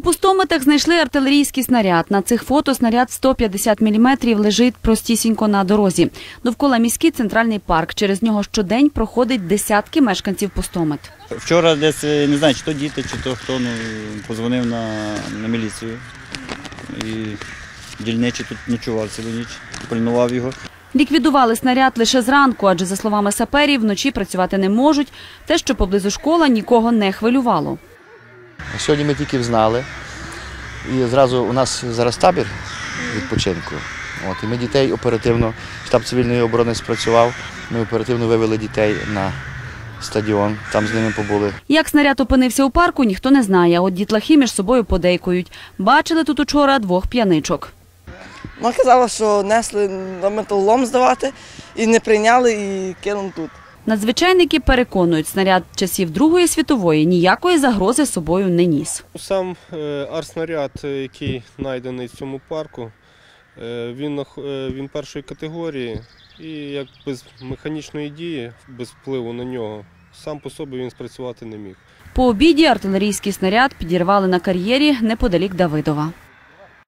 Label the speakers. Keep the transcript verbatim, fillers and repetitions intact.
Speaker 1: Пустометах знайшли артилерійський снаряд. На цих фото снаряд сто п'ятдесят міліметрів лежить простісінько на дорозі. Довкола міський центральний парк. Через нього щодень проходить десятки мешканців Пустомет.
Speaker 2: Вчора десь, не знаю, чи то діти, чи то хто, ну, позвонив на, на міліцію. І дільничий тут ночував цілу ніч, пильнував його.
Speaker 1: Ліквідували снаряд лише зранку, адже, за словами саперів, вночі працювати не можуть. Те, що поблизу школа, нікого не хвилювало.
Speaker 3: Сьогодні ми тільки взнали, і зразу у нас зараз табір відпочинку. От, і ми дітей оперативно, штаб цивільної оборони спрацював, ми оперативно вивели дітей на стадіон, там з ними побули.
Speaker 1: Як снаряд опинився у парку, ніхто не знає, от дітлахи між собою подейкують. Бачили тут учора двох п'яничок.
Speaker 4: Вона казала, що несли на металолом здавати, і не прийняли, і кинули тут.
Speaker 1: Надзвичайники переконують, снаряд часів Другої світової ніякої загрози собою не ніс.
Speaker 5: Сам артснаряд, який знайдений в цьому парку, він, він першої категорії і як без механічної дії, без впливу на нього, сам по собі він спрацювати не міг.
Speaker 1: По обіді артилерійський снаряд підірвали на кар'єрі неподалік Давидова.